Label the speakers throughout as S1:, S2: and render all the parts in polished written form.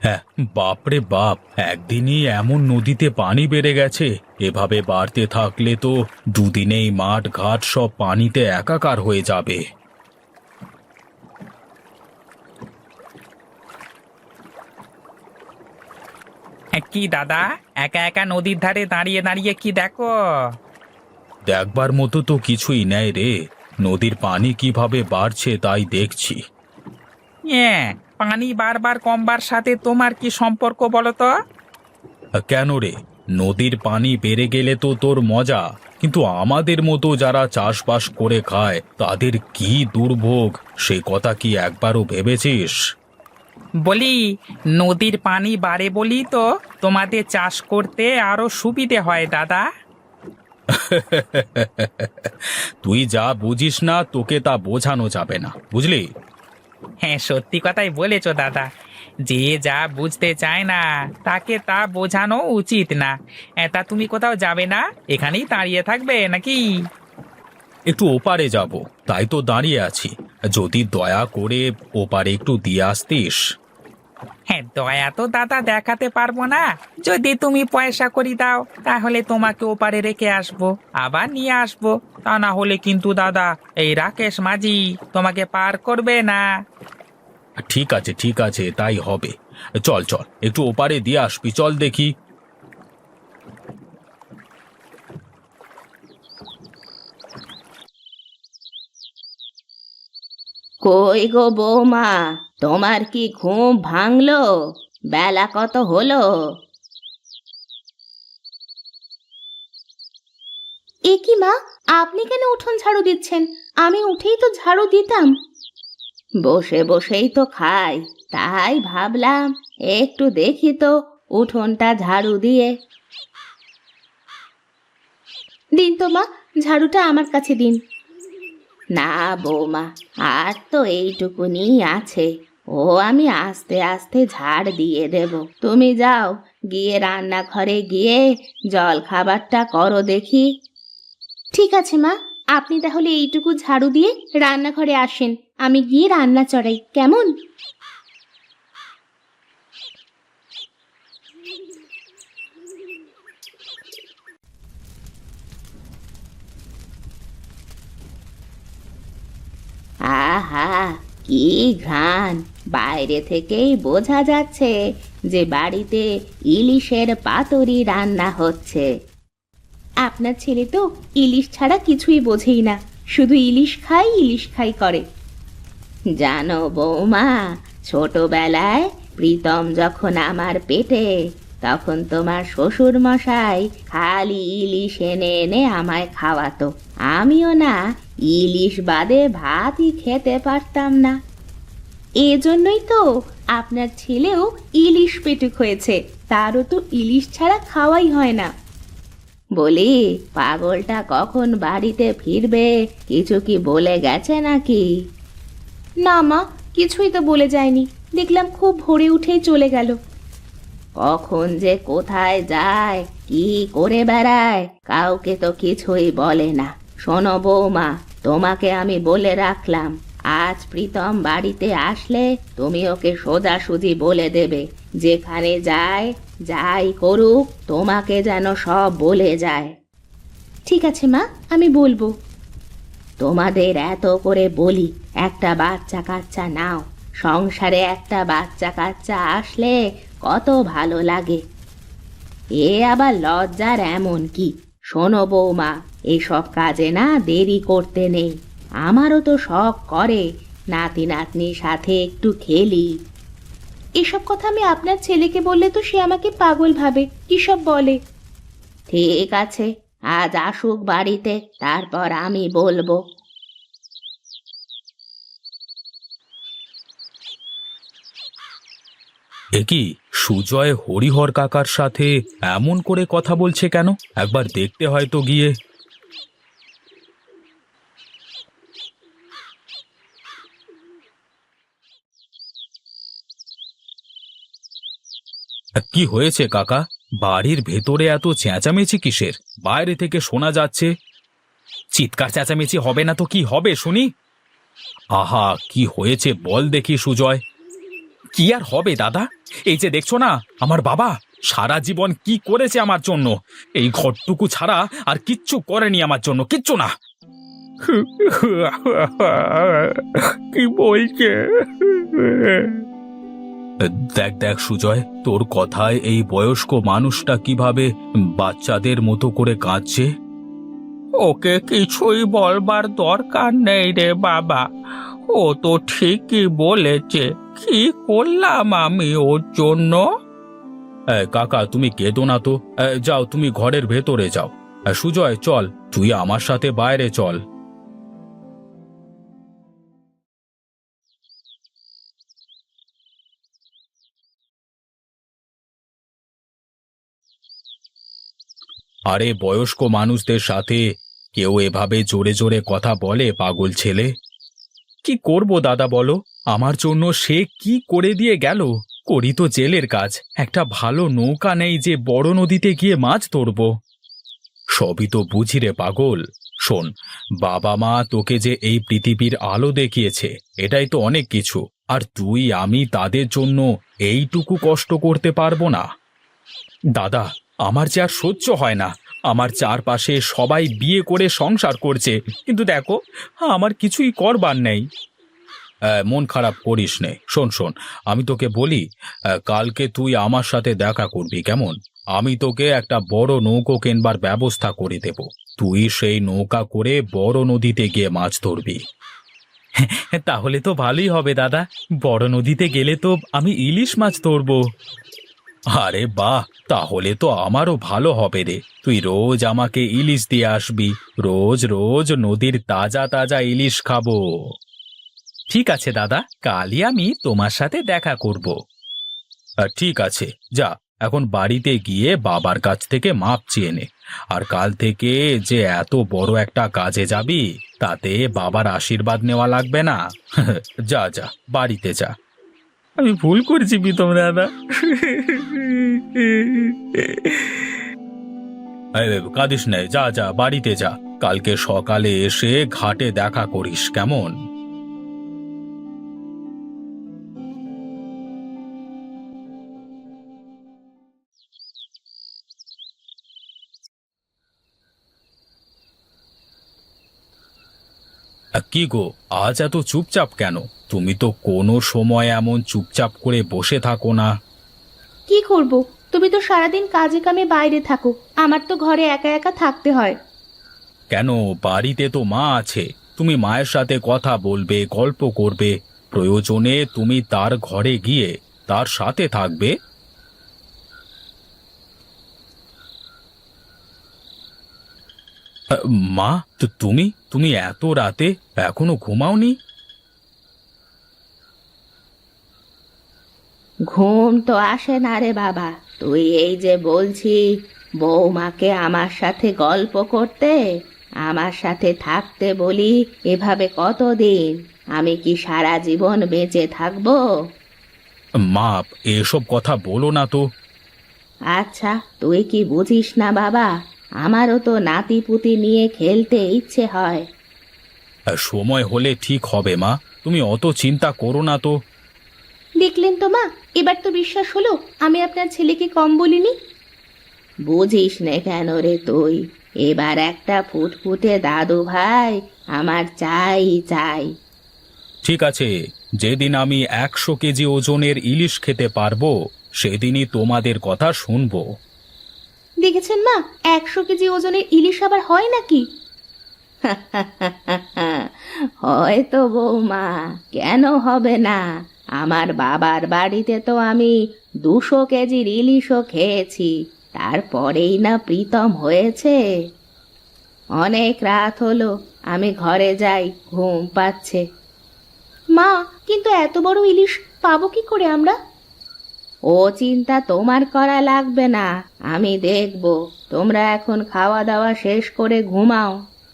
S1: হ্যাঁ, বাপরে বাপ, একদিনই এমন নদীতে পানি বেড়ে গেছে। এভাবে বাড়তে থাকলে তো দুদিনেই মাঠ ঘাট সব পানিতে একাকার হয়ে যাবে।
S2: কি দাদা, একা একা নদীর ধারে দাঁড়িয়ে দাঁড়িয়ে কি দেখো?
S1: দেখবার মতো তো কিছুই নেই রে। নদীর পানি কিভাবে বাড়ছে তাই দেখছি।
S2: হ্যাঁ, পানি বারবার কমবার সাথে তোমার কি সম্পর্ক বলো তো?
S1: কেন রে? নদীর পানি বেড়ে গেলে তো তোর মজা, কিন্তু আমাদের মতো যারা চাষবাস করে খায় তাদের কি দুর্ভোগ, সে কথা কি একবারও ভেবেছিস?
S2: বলি, নদীর পানি বাড়ে বলি তো তোমাদের চাষ করতে আরো সুবিধে হয় দাদা।
S1: তুই যা বুঝিস না তোকে তা বোঝানো যাবে না, বুঝলি?
S2: হ্যাঁ, সত্যি কথাই বলেছো দাদা। যে যা বুঝতে চায় না তাকে তা বোঝানো উচিত না। তা তুমি কোথাও যাবে না? এখানেই দাঁড়িয়ে থাকবে নাকি?
S1: একটু ওপারে যাব, তাই তো দাঁড়িয়ে আছি। যদি দয়া করে ওপারে একটু দিয়ে আসতিস।
S2: হ্যাঁ, দয়া তো দাদা দেখাতে পারবো না। যদি তুমি পয়সা করি দাও তাহলে তোমাকে ওপারে রেখে আসবো, আবার নিয়ে আসবো। তা না হলে কিন্তু দাদা, এই রাকেশ মাঝি তোমাকে পার করবে না।
S1: ঠিক আছে ঠিক আছে, তাই হবে। চল চল, একটু ওপারে দিয়ে আসবি, চল দেখি।
S3: কই গো বৌমা, তোমার কি ঘুম ভাঙলো? বেলা কত হলো? এ কি মা, আপনি কেন উঠোন ঝাড়ু দিচ্ছেন? আমি উঠেই তো ঝাড়ু দিতাম। বসে বসেই তো খাই, তাই ভাবলাম একটু দেখি তো উঠোনটা ঝাড়ু দিয়ে। দিন তো মা, ঝাড়ুটা আমার কাছে দিন। না বৌমা, আর তো এইটুকুনি আছে, ও আমি আস্তে আস্তে ঝাড় দিয়ে দেব। তুমি যাও, গিয়ে রান্নাঘরে গিয়ে জল খাবারটা করো দেখি। ঠিক আছে মা, আপনি তাহলে এইটুকু ঝাড়ু দিয়ে রান্নাঘরে আসেন, আমি গিয়ে রান্না চড়াই, কেমন? আহা, কি ঘ্রাণ! বাইরে থেকেই বোঝা যাচ্ছে যে বাড়িতে ইলিশের পাতুরি রান্না হচ্ছে। আপনার ছেলে তো ইলিশ ছাড়া কিছুই বোঝেই না, শুধু ইলিশ খাই করে। জানো বৌমা, ছোটবেলায় প্রীতম যখন আমার পেটে, তখন তোমার শ্বশুর মশাই খালি ইলিশ এনে এনে আমায় খাওয়াতো। আমিও না ইলিশ বাদে ভাতই খেতে পারতাম না। এজন্যই তো আপনার ছেলেও ইলিশ পেটুক হয়েছে, তারও তো ইলিশ ছাড়া খাওয়াই হয় না। বলি, পাগলটা কখন বাড়িতে ফিরবে, কিছু কি বলে গেছে নাকি? না মা, কিছুই তো বলে যায়নি, দেখলাম খুব ভোরে উঠেই চলে গেল। কখন যে কোথায় যায়, কি করে বেড়ায়, কাউকে তো কিছুই বলে না। শোনো বৌমা, তোমাকে আমি বলে রাখলাম, আজ প্রীতম বাড়িতে আসলে তুমি ওকে সোজাসুজি বলে দেবে, যেখানে যায় যাই করুক তোমাকে যেন সব বলে যায়। ঠিক আছে মা, আমি বলবো। তোমাদের এত করে বলি একটা বাচ্চা কাচ্চা নাও, সংসারে একটা বাচ্চা কাচ্চা আসলে কত ভালো লাগে। এ আবার লজ্জার এমন কি? শোনো বৌমা, এসব কাজে না দেরি করতে নেই। আমারও তো শখ করে নাতি নাতনির সাথে একটু খেলি। এসব কথা আমি আপনার ছেলেকে বললে তো সে আমাকে পাগল ভাবে, কি সব বলে। ঠিক আছে, আজ আসুক বাড়িতে, তারপর আমি বলবো।
S1: এ কি, সুজয় হরিহর কাকার সাথে এমন করে কথা বলছে কেন? একবার দেখতে হয় তো গিয়ে। কি হয়েছে কাকা? বাড়ির ভেতরে এত চেঁচামেচি কিসের? বাইরে থেকে শোনা যাচ্ছে। চিৎকার চেঁচামেচি হবে না তো কি হবে শুনি? আহা, কি হয়েছে বল দেখি সুজয়। কি আর হবে দাদা, এই যে দেখছো না আমার বাবা সারা জীবন কি করেছে আমার জন্য, এই ঘরটুকু ছাড়া আর কিচ্ছু করেনি আমার জন্য, কিচ্ছু না। কি বলছে? দেখ দেখ সুজয়, তোর কথায় এই বয়স্ক মানুষটা কিভাবে বাচ্চাদের মতো করে কাঁদছে।
S2: ওকে কিছুই বলবার দরকার নেই রে বাবা, ও তো ঠিকই বলেছে। কি করলাম আমি ওর জন্য?
S1: কাকা তুমি কেঁদো না তো, যাও তুমি ঘরের ভেতরে যাও। সুজয় চল, তুই আমার সাথে বাইরে চল। আরে বয়স্ক মানুষদের সাথে কেউ এভাবে জোরে জোরে কথা বলে পাগল ছেলে? কি করব দাদা বলো, আমার জন্য সে কি করে দিয়ে গেল। করি তো জেলের কাজ, একটা ভালো নৌকা নেই যে বড় নদীতে গিয়ে মাছ ধরব। সবই তো বুঝি রে পাগল। শোন, বাবা মা তোকে যে এই পৃথিবীর আলো দেখিয়েছে এটাই তো অনেক কিছু, আর তুই আমি তাদের জন্য এইটুকু কষ্ট করতে পারবো না? দাদা, আমার যে আর সহ্য হয় না। আমার চারপাশে সবাই বিয়ে করে সংসার করছে, কিন্তু দেখো আমার কিছুই করবার নেই। মন খারাপ করিস নে। শোন শোন, আমি তোকে বলি, কালকে তুই আমার সাথে দেখা করবি কেমন? আমি তোকে একটা বড় নৌকো কেনবার ব্যবস্থা করে দেব। তুই সেই নৌকা করে বড় নদীতে গিয়ে মাছ ধরবি। তাহলে তো ভালোই হবে দাদা, বড় নদীতে গেলে তো আমি ইলিশ মাছ ধরবো। আরে বাহ, তাহলে তো আমারও ভালো হবে রে। তুই রোজ আমাকে ইলিশ দিয়ে আসবি, রোজ রোজ নদীর তাজা তাজা ইলিশ খাবো। ঠিক আছে দাদা, কালই আমি তোমার সাথে দেখা করব। ঠিক আছে, যা এখন বাড়িতে গিয়ে বাবার কাছ থেকে মাপ চেয়ে নে। আর কাল থেকে যে এত বড় একটা কাজে যাবি, তাতে বাবার আশীর্বাদ নেওয়া লাগবে না। যা যা, বাড়িতে যা। আমি ভুল করছি প্রীতম দাদা। কাঁদিস নে, যা যা বাড়িতে যা। কালকে সকালে এসে ঘাটে দেখা করিস কেমন? কি গো, আজ এত চুপচাপ কেন? তুমি তো কোনো সময় এমন চুপচাপ করে বসে থাকো না।
S3: কি করব? তুমি তো সারাদিন কাজে কামে বাইরে থাকো, আমার তো ঘরে একা একা থাকতে হয়।
S1: কেন, বাড়িতে তো মা আছে। তুমি মায়ের সাথে কথা বলবে, গল্প করবে, প্রয়োজনে তুমি তার ঘরে গিয়ে তার সাথে থাকবে। মা, তো তুমি তুমি এত রাতে এখনো ঘুমাওনি?
S3: ঘুম তো আসে না রে বাবা। তুই এই যে বলছি বৌমাকে আমার সাথে গল্প করতে, আমার সাথে থাকতে বলি, এভাবে কতদিন? আমি কি সারা জীবন বেঁচে থাকবো?
S1: মা, এসব কথা বলো না তো।
S3: আচ্ছা, তুই কি বুঝিস না বাবা? আমারও তো নাতি পুতি নিয়ে খেলতে ইচ্ছে হয়।
S1: সময় হলে ঠিক হবে মা, তুমি অত চিন্তা করো না তো।
S3: দেখলেন তো মা, এবার তো বিশ্বাস হলো আমি আপনার ছেলেকে কম বলিনি। বুঝিস নে কেন রে তুই? এবার একটা ফুটফুটে দাদু ভাই আমার চাই চাই।
S1: ঠিক আছে, যেদিন আমি 100 কেজি ওজনের ইলিশ খেতে পারবো সেদিনই তোমাদের কথা শুনবো।
S3: দেখেছেন মা, 100 কেজি ওজনের ইলিশ আবার হয় নাকি? হয়তো বৌমা, কেন হবে না? আমার বাবার বাড়িতে তো আমি 200 কেজির ইলিশও খেয়েছি, তারপরেই না প্রীতম হয়েছে। অনেক রাত হলো, আমি ঘরে যাই, ঘুম পাচ্ছে। মা, কিন্তু এত বড় ইলিশ পাবো কি করে আমরা? ও চিন্তা তোমার করা লাগবে না, আমি দেখব। তোমরা এখন খাওয়া দাওয়া শেষ করে ঘুমাও।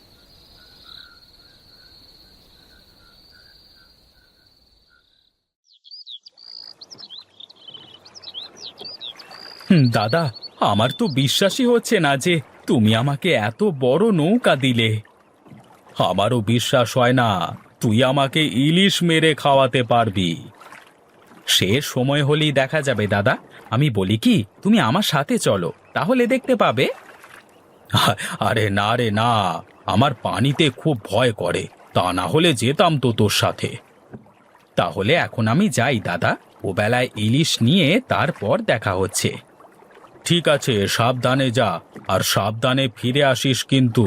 S1: দাদা, আমার তো বিশ্বাসই হচ্ছে না যে তুমি আমাকে এত বড় নৌকা দিলে। আমারও বিশ্বাস হয় না তুই আমাকে ইলিশ মেরে খাওয়াতে পারবি। সে সময় হলেই দেখা যাবে দাদা। আমি বলি কি, তুমি আমার সাথে চলো, তাহলে দেখতে পাবে। আরে না রে না, আমার পানিতে খুব ভয় করে, তা না হলে যেতাম তো তোর সাথে। তাহলে এখন আমি যাই দাদা, ও বেলায় ইলিশ নিয়ে তারপর দেখা হচ্ছে। ঠিক আছে, সাবধানে যা, আর সাবধানে ফিরে আসিস কিন্তু।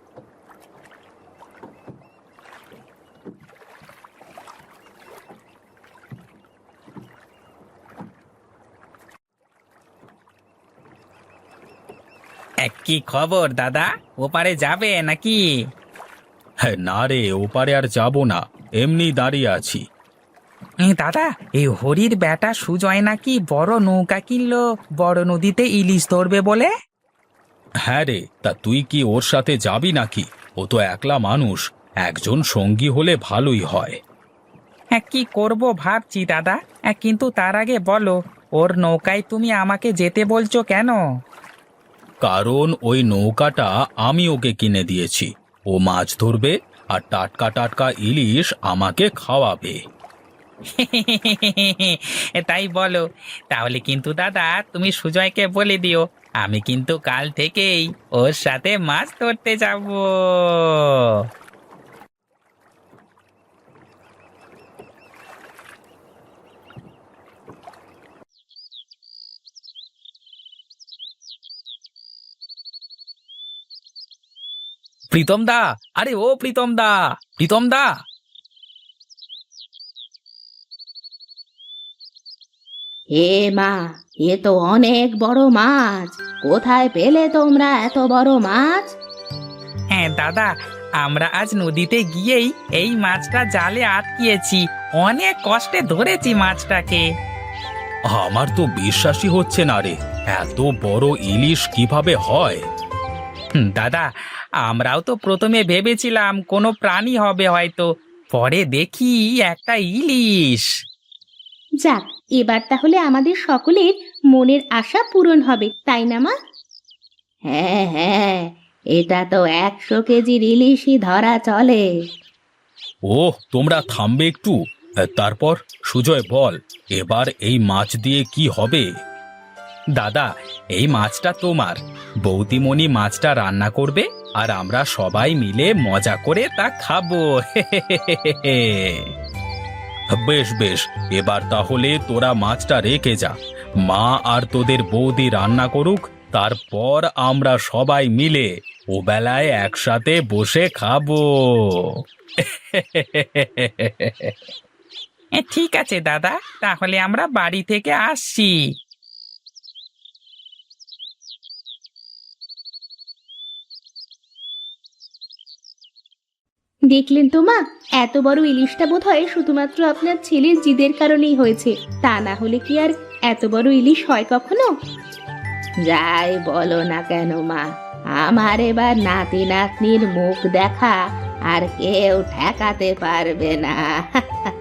S2: কি খবর দাদা, ওপারে যাবে নাকি?
S1: হ্যাঁ না রে, ওপারে আর যাব না, এমনি দাঁড়িয়ে আছি।
S2: দাদা, এই হরির বেটা সুজয় নাকি বড় নৌকা কিনলো, বড় নদীতে ইলিশ ধরবে বলে।
S1: হ্যাঁ রে, তা তুই কি ওর সাথে যাবি নাকি? ও তো একলা মানুষ, একজন সঙ্গী হলে ভালোই হয়।
S2: হ্যাঁ, কি করব ভাবছি দাদা। কিন্তু তার আগে বলো, ওর নৌকায় তুমি আমাকে যেতে বলছো কেন?
S1: কারণ ওই নৌকাটা আমি ওকে কিনে দিয়েছি। ও মাছ ধরবে আর টাটকা টাটকা ইলিশ আমাকে খাওয়াবে।
S2: তাই বলো। তাহলে কিন্তু দাদা তুমি সুজয়কে বলে দিও, আমি কিন্তু কাল থেকেই ওর সাথে মাছ ধরতে যাব। প্রীতম দা, আরে ও প্রীতম দা, প্রীতম দা।
S3: হে মা, এ তো অনেক বড় মাছ। কোথায় পেলে তোমরা এত বড় মাছ?
S2: হ্যাঁ দাদা, আমরা আজ নদীতে গিয়েই এই মাছটা জালে আটকিয়েছি। অনেক কষ্টে ধরেছি মাছটাকে।
S1: আমার তো বিশ্বাসই হচ্ছে না রে, এত বড় ইলিশ কিভাবে হয়?
S2: দাদা, আমরাও তো প্রথমে ভেবেছিলাম কোনো প্রাণী হবে হয়তো, পরে দেখি একটা ইলিশ।
S3: যাক, এবার তাহলে আমাদের সকলের মনের আশা পূরণ হবে, তাই না মা? হ্যাঁ হ্যাঁ, এটা তো 100 কেজির ইলিশই ধরা চলে।
S1: ওহ, তোমরা থামবে একটু। তারপর সুজয় বল, এবার এই মাছ দিয়ে কি হবে? দাদা, এই মাছটা তোমার। বৌদিমণি মাছটা রান্না করবে, আর আমরা সবাই মিলে মজা করে তা খাবো। বেশ বেশ, এবার তাহলে তোরা মাছটা রেখে যা, মা আর তোদের বৌদি রান্না করুক, তারপর আমরা সবাই মিলে ও বেলায় একসাথে বসে খাবো।
S2: ঠিক আছে দাদা, তাহলে আমরা বাড়ি থেকে আসছি।
S3: দেখলেন তো মা, এত বড় ইলিশটা বোধহয় শুধুমাত্র আপনার ছেলের জিদের কারণেই হয়েছে, তা না হলে কি আর এত বড় ইলিশ হয় কখনো? যাই বলো না কেন মা, আমার এবার নাতি নাতনির মুখ দেখা আর কেউ ঠেকাতে পারবে না।